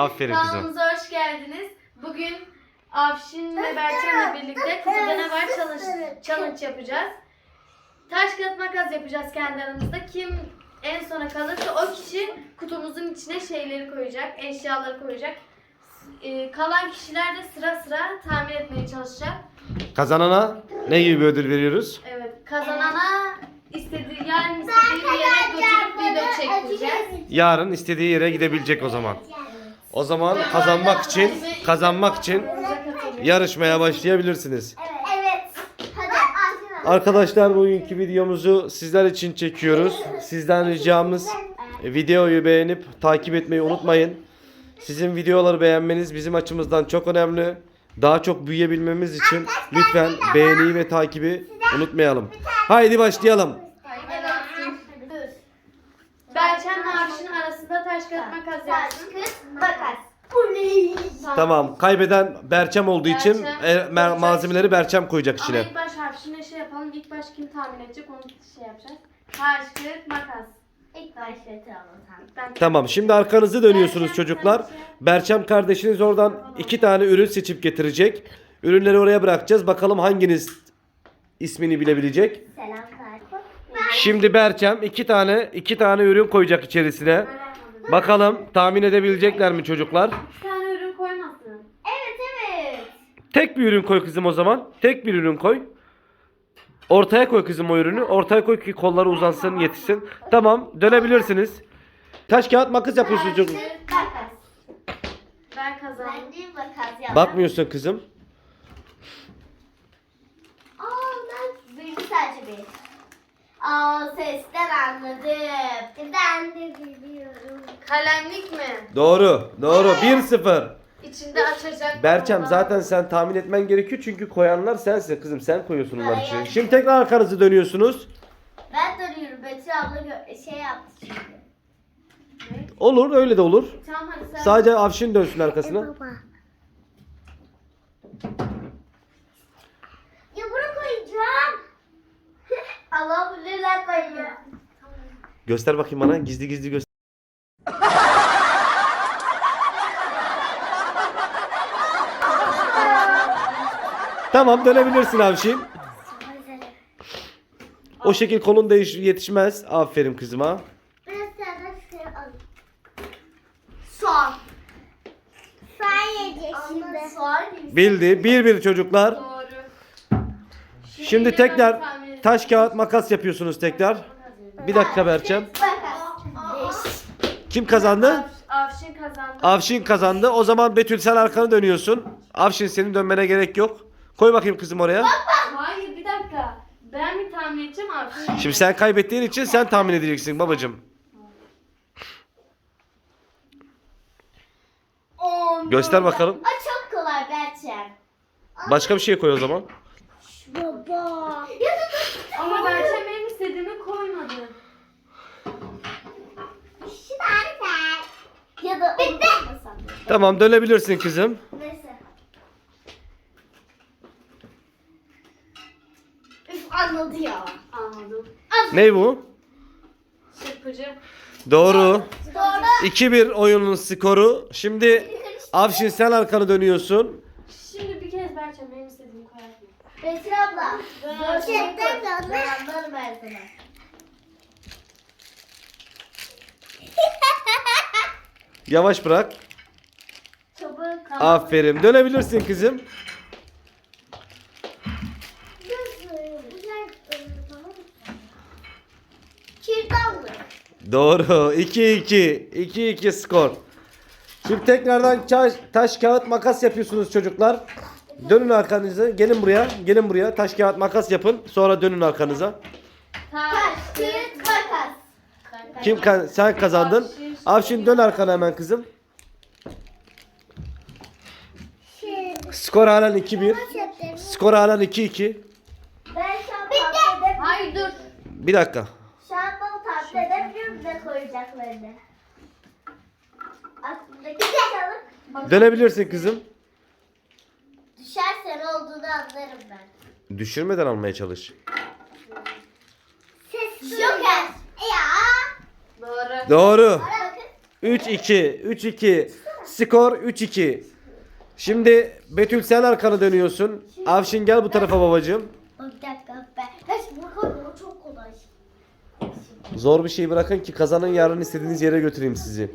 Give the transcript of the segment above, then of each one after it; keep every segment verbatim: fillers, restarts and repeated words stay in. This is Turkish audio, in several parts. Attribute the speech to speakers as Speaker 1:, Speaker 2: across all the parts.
Speaker 1: Aferin kızım.
Speaker 2: Kanalımıza hoş geldiniz. Bugün Afşin ve Berçem'le birlikte kutuda ne var challenge, challenge yapacağız. Taş kağıt makas yapacağız kendi aramızda. Kim en sona kalırsa o kişi kutumuzun içine şeyleri koyacak, eşyaları koyacak. Ee, kalan kişiler de sıra sıra tahmin etmeye çalışacak.
Speaker 1: Kazanana ne gibi bir ödül veriyoruz?
Speaker 2: Evet, kazanana istediği, yani istediği bir yere götürüp video çektireceğiz.
Speaker 1: Yarın istediği yere gidebilecek o zaman. O zaman kazanmak için kazanmak için yarışmaya başlayabilirsiniz.
Speaker 3: Evet. Hadi.
Speaker 1: Arkadaşlar, bugünkü videomuzu sizler için çekiyoruz. Sizden ricamız videoyu beğenip takip etmeyi unutmayın. Sizin videoları beğenmeniz bizim açımızdan çok önemli. Daha çok büyüyebilmemiz için lütfen beğeniyi ve takibi unutmayalım. Haydi başlayalım.
Speaker 2: Berçem'le Afşin arasında taş kağıt makas yapsın.
Speaker 3: Makas.
Speaker 1: Tamam. Kaybeden Berçem olduğu için
Speaker 2: Berçem
Speaker 1: e, ma- malzemeleri Berçem koyacak
Speaker 2: Ama
Speaker 1: içine.
Speaker 2: ilk baş Afşin'e şey yapalım. İlk baş kim tahmin edecek onu şey yapacağız. Taş kağıt makas.
Speaker 3: İlk başlatalım.
Speaker 2: Ben
Speaker 1: Tamam. Şimdi arkanızı dönüyorsunuz çocuklar. Berçem kardeşiniz oradan iki tane ürün seçip getirecek. Ürünleri oraya bırakacağız. Bakalım hanginiz ismini bilebilecek.
Speaker 3: Selam Tarık.
Speaker 1: Şimdi Berçem iki tane iki tane ürün koyacak içerisine. Bakalım tahmin edebilecekler mi çocuklar?
Speaker 2: bir tane ürün koymasın.
Speaker 3: Evet evet.
Speaker 1: Tek bir ürün koy kızım o zaman. Tek bir ürün koy. Ortaya koy kızım o ürünü. Ortaya koy ki kolları uzansın, yetişsin. Tamam, dönebilirsiniz. Taş kağıt makas yapıyorsunuz çocuk.
Speaker 3: Makas.
Speaker 2: Ben kazandım.
Speaker 3: Ben de makas yaptım.
Speaker 1: Bakmıyorsun kızım.
Speaker 3: Aa ben bilgi sadece bir. Aa sesten anladım. Ben de biliyorum.
Speaker 2: Kalemlik mi?
Speaker 1: Doğru. Doğru. bir sıfır.
Speaker 2: İçinde açacak.
Speaker 1: Berçem,
Speaker 2: olan.
Speaker 1: zaten sen tahmin etmen gerekiyor çünkü koyanlar sensin kızım. Sen koyuyorsun onları içine. Şimdi tekrar arkanızı dönüyorsunuz.
Speaker 3: Ben dönüyorum. Betül abla gö- şey yaptı çünkü.
Speaker 1: Olur, öyle de olur.
Speaker 2: Tamam hadi sen.
Speaker 1: Sadece Afşin dönsün arkasına.
Speaker 3: Ya bunu koyacağım. Allah bilirler koyacağım.
Speaker 1: Göster bakayım bana. Gizli gizli göster. Tamam, dönebilirsin Afşin. O şekil kolun değiş yetişmez. Aferin kızıma.
Speaker 3: Biraz senden şey al. Soğan. Soğan yiyecek şimdi. Soğan yiyecek.
Speaker 1: Bildi. Bir bir çocuklar.
Speaker 2: Doğru.
Speaker 1: Şimdi
Speaker 2: yine
Speaker 1: tekrar
Speaker 2: ben tahmin edeyim.
Speaker 1: taş kağıt makas yapıyorsunuz tekrar. Bir dakika Berçem.
Speaker 3: Makas.
Speaker 1: Kim kazandı?
Speaker 2: Af- Afşin kazandı.
Speaker 1: Avşin kazandı. O zaman Betül, sen arkanı dönüyorsun. Avşin, senin dönmene gerek yok. Koy bakayım kızım oraya.
Speaker 2: Hayır bir dakika. Ben mi tahmin edeceğim Afşin?
Speaker 1: Şimdi sen kaybettiğin için sen tahmin edeceksin babacığım.
Speaker 3: On.
Speaker 1: Göster bakalım.
Speaker 3: Aa, çok kolay Berçem.
Speaker 1: Başka bir şey koy o zaman.
Speaker 3: Baba. Ya da dur.
Speaker 2: Ama Berçem benim istediğimi koymadı.
Speaker 3: Şu tane. Ya da bitti.
Speaker 1: Tamam, dönebilirsin kızım.
Speaker 3: Neyse. Üf anladı ya.
Speaker 2: Anladım.
Speaker 1: Ne bu?
Speaker 2: Çırpıcı.
Speaker 1: Doğru.
Speaker 3: Doğru.
Speaker 1: iki bir oyunun skoru. Şimdi Avşin, sen arkanı dönüyorsun.
Speaker 2: Şimdi bir kez Berçem benim istediğimi koyar mı?
Speaker 3: Betül abla. Gerçekten de anlarım ben sana.
Speaker 1: Yavaş bırak.
Speaker 3: Çabuk.
Speaker 1: Aferin. Dönebilirsin kızım.
Speaker 3: Kürdanlık.
Speaker 1: Doğru. iki iki. iki iki skor. Şimdi tekrardan taş, taş kağıt makas yapıyorsunuz çocuklar. Dönün arkanıza. Gelin buraya. Gelin buraya. Taş kağıt makas yapın. Sonra dönün arkanıza.
Speaker 3: Taş, kağıt, makas.
Speaker 1: Kim ka- sen kazandın. Avşin, dön arkana hemen kızım. Skor halen iki bir. Skor halen iki iki.
Speaker 3: Ben şu an tahmin edebilirim.
Speaker 2: Hayır dur.
Speaker 1: Bir dakika.
Speaker 3: Şu an bana tahmin edebilirim ne koyacaklarını. Aklımdaki çalıp
Speaker 1: Dönebilirsin kızım.
Speaker 3: düşerse ne olduğunu anlarım ben.
Speaker 1: Düşürmeden almaya çalış.
Speaker 3: Joker. Ya.
Speaker 2: Doğru.
Speaker 1: Doğru.
Speaker 3: Bakın.
Speaker 1: üç iki. üç iki. Skor üç iki. Şimdi Betül sen arkanı dönüyorsun. Avşin gel bu tarafa babacığım.
Speaker 3: Bir dakika ben. Hiç bakalım o çok kolay.
Speaker 1: Zor bir şey bırakın ki kazanın, yarın istediğiniz yere götüreyim sizi.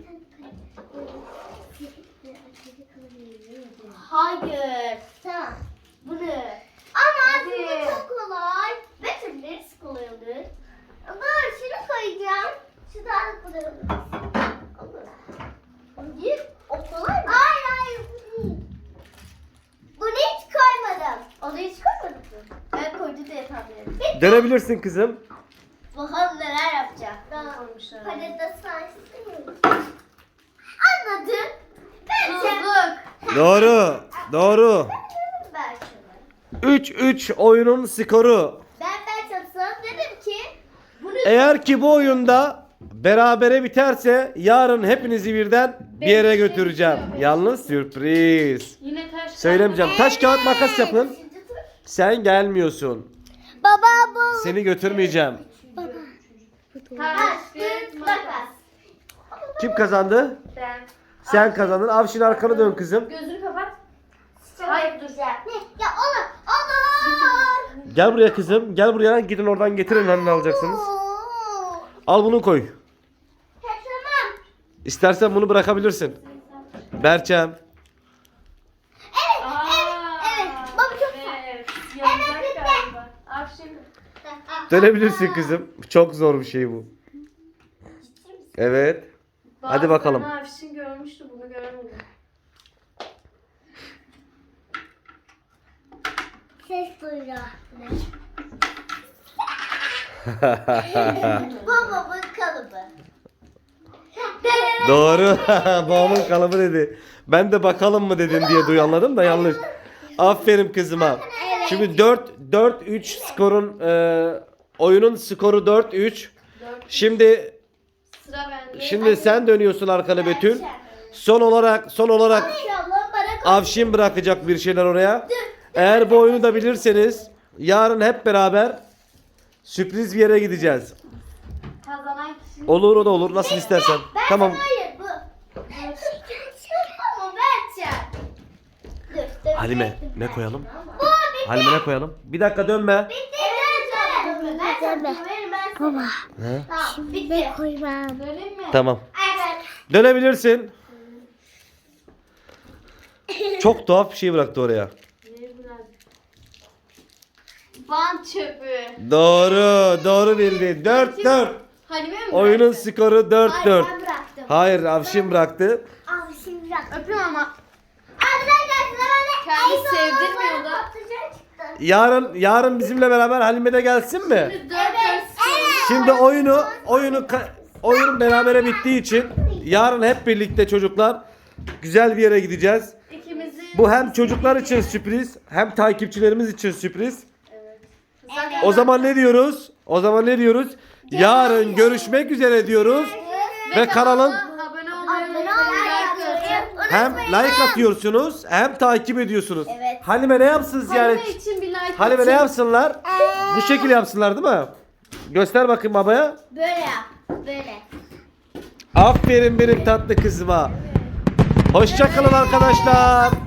Speaker 3: Hayır. Tamam. Bunu. Ama
Speaker 2: Hadi.
Speaker 3: bu çok kolay. Betül neresi kolay olur? Dur şunu koyacağım. Şu daha kolay olur. Olur. Hayır. O kolay mı? Hayır hayır. Bu değil. Bunu hiç koymadım. Onu hiç koymadım mı? Ben koydu diye tahmin ettim.
Speaker 1: Dönebilirsin kızım.
Speaker 3: Bakalım neler yapacak.
Speaker 2: Koymuşlar.
Speaker 3: Hadi de saysın. Anladım. Bence.
Speaker 2: Tuzluk.
Speaker 1: Doğru. Doğru.
Speaker 3: Ben şunu.
Speaker 1: üç üç oyunun skoru.
Speaker 3: Ben ben çalışsam dedim ki bunu
Speaker 1: Eğer ki bu oyunda berabere biterse yarın hepinizi birden bir yere götüreceğim. Yalnız sürpriz.
Speaker 2: Yine taş.
Speaker 1: Söylemeyeceğim. Taş kağıt makas yapın.
Speaker 3: Üçüncü tur.
Speaker 1: Sen gelmiyorsun.
Speaker 3: Baba bu.
Speaker 1: Seni götürmeyeceğim.
Speaker 2: Taş,
Speaker 3: Taş,
Speaker 2: kağıt,
Speaker 3: kağıt,
Speaker 2: makas.
Speaker 3: makas.
Speaker 1: Kim kazandı?
Speaker 2: Ben.
Speaker 1: Sen kazandın. Avşin arkanı dön kızım.
Speaker 2: Gözünü kapat.
Speaker 3: Hayır dur. Ne? Ya olur. Olur.
Speaker 1: Gel buraya kızım. Gel buraya. Gidin oradan getirin hani alacaksınız.
Speaker 3: Oo.
Speaker 1: Al bunu koy.
Speaker 3: He, tamam.
Speaker 1: İstersen bunu bırakabilirsin. Berçem.
Speaker 3: Evet.
Speaker 2: Aa,
Speaker 3: Evet. Evet. Baba çok güzel.
Speaker 2: Evet. Yanacak
Speaker 3: bitti.
Speaker 2: galiba. Afşin.
Speaker 1: Dönebilirsin kızım. Çok zor bir şey bu. Evet. Hadi bakalım.
Speaker 2: Bazılarını Afşin görmüştü, bunu göremedim.
Speaker 3: Ses duyuyor. Baba bu kalıbı.
Speaker 1: Doğru. Babamın kalıbı dedi. Ben de bakalım mı dedin diye duy anladım da yanlış. Aferin kızıma. Şimdi dört dört üç skorun e, oyunun skoru dört üç.
Speaker 2: Dört.
Speaker 1: Şimdi
Speaker 2: Sıra bende.
Speaker 1: şimdi sen dönüyorsun arkana Betül. Son olarak son olarak
Speaker 3: İnşallah bana koy.
Speaker 1: Avşin bırakacak bir şeyler oraya. Eğer bu oyunu da bilirseniz yarın hep beraber sürpriz bir yere gideceğiz.
Speaker 2: Kazanan kişi.
Speaker 1: Olur o da olur nasıl istersen.
Speaker 3: Ben
Speaker 1: Tamam.
Speaker 3: hayır bu. Ama Berçem. Dur, dur,
Speaker 1: Halime
Speaker 3: dur,
Speaker 1: ne
Speaker 3: dur.
Speaker 1: koyalım?
Speaker 3: Bu bitti.
Speaker 1: Halime ne koyalım? Bir dakika dönme.
Speaker 3: Bitti. Evet, ben sana güvenim, ben sana.
Speaker 4: Baba,
Speaker 1: He?
Speaker 3: Tamam, bitti.
Speaker 4: koymam.
Speaker 2: Döneyim mi?
Speaker 1: Tamam.
Speaker 3: Evet.
Speaker 1: Dönebilirsin. Çok tuhaf bir şey bıraktı oraya.
Speaker 2: Ne biraz? Bant çöpü.
Speaker 1: Doğru, doğru bildi. dört dört.
Speaker 2: Halime mi
Speaker 1: Oyunun
Speaker 2: bıraktı?
Speaker 1: skoru dört
Speaker 3: Hayır,
Speaker 1: dört.
Speaker 3: ben bıraktım.
Speaker 1: Hayır, Avşin bıraktı.
Speaker 3: Abi şimdi bırak.
Speaker 2: Öpüyorum ama.
Speaker 3: Arkadaşlar bana
Speaker 2: Kendi
Speaker 3: en son
Speaker 2: sevdirmiyor
Speaker 3: bana
Speaker 2: da.
Speaker 3: patlıcan çıktı.
Speaker 1: Yarın yarın bizimle beraber Halime de gelsin mi?
Speaker 2: Şimdi dört
Speaker 3: Evet.
Speaker 2: dört.
Speaker 3: Evet.
Speaker 1: Şimdi oyunu oyunu ka- oyun berabere bittiği için yarın hep birlikte çocuklar güzel bir yere gideceğiz.
Speaker 2: İkimizin.
Speaker 1: Bu hem çocuklar için sürpriz, hem takipçilerimiz için sürpriz.
Speaker 2: Zaten
Speaker 1: O zaman ne diyoruz? O zaman ne diyoruz? Yarın görüşmek üzere diyoruz. Ve kanalın
Speaker 2: abone olmayı
Speaker 3: Abone
Speaker 2: unutmayın.
Speaker 3: olmayı
Speaker 2: Like atın.
Speaker 3: unutmayın.
Speaker 1: hem like atıyorsunuz hem takip ediyorsunuz.
Speaker 3: Evet.
Speaker 1: Halime ne yapsın ziyaret?
Speaker 2: Halime için bir like
Speaker 1: Halime ne
Speaker 2: atın.
Speaker 1: yapsınlar? Bu şekilde yapsınlar değil mi? Göster bakayım babaya.
Speaker 3: Böyle yap. Böyle.
Speaker 1: Aferin benim tatlı kızıma. Hoşça kalın arkadaşlar.